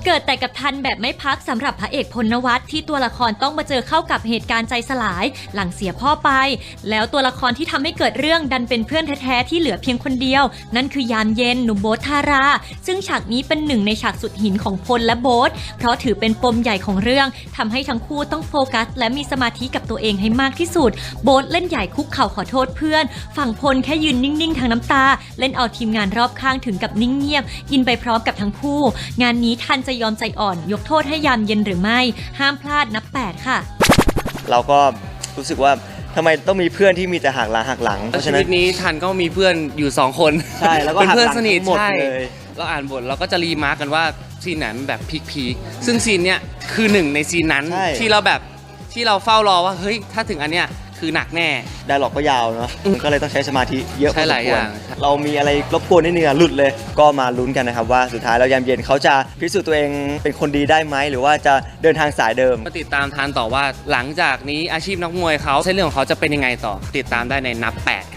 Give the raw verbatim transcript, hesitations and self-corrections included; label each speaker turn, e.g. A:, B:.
A: เกิดแต่กับทันแบบไม่พักสำหรับพระเอกพลนวัตที่ตัวละครต้องมาเจอเข้ากับเหตุการณ์ใจสลายหลังเสียพ่อไปแล้วตัวละครที่ทำให้เกิดเรื่องดันเป็นเพื่อนแท้ๆที่เหลือเพียงคนเดียวนั่นคือยามเย็นหนุ่มโบ๊ทธาราซึ่งฉากนี้เป็นหนึ่งในฉากสุดหินของพลและโบ๊ทเพราะถือเป็นปมใหญ่ของเรื่องทำให้ทั้งคู่ต้องโฟกัสและมีสมาธิกับตัวเองให้มากที่สุดโบ๊ทเล่นใหญ่คุกเข่าขอโทษเพื่อนฝั่งพลแค่ยืนนิ่งๆทางน้ำตาเล่นเอาทีมงานรอบข้างถึงกับนิ่งเงียบอินไปพร้อมกับทั้งคู่งานนี้ทันจะยอมใจอ่อนยกโทษให้ยามเย็นหรือไม่ห้ามพลาดนับแปดค่ะ
B: เราก็รู้สึกว่าทำไมต้องมีเพื่อนที่มีแต่หักหลังหักหลังเพราะฉะ
C: ชี
B: นั้น
C: วิตนี้ทันก็มีเพื่อนอยู่สองคน
B: ใช่แล้วก็
C: เป็นเพื่อนสนิท
B: หมด
C: ใช่
B: เลย
C: เราอ่านบทเราก็จะรีมาร์กกันว่าซีนไหนมันแบบพีคๆซึ่งซีนเนี้ยคือหนึ่งในซีนนั้นที่เราแบบที่เราเฝ้ารอว่าเฮ้ยถ้าถึงอันเนี้ยคือหนักแน่
B: ไดร็อกก็ยาวเนาะมันก็เลยต้องใช้สมาธิเยอะพอสมควรเรามีอะไรรบกวนนิดนึงอะหลุดเลยก็มาลุ้นกันนะครับว่าสุดท้ายแล้วยามเย็นเขาจะพิสูจน์ตัวเองเป็นคนดีได้ไหมหรือว่าจะเดินทางสายเดิม
C: มาติดตามทันต่อว่าหลังจากนี้อาชีพนักมวยเขาเส้นเรื่องของเขาจะเป็นยังไงต่อติดตามได้ในนับแปด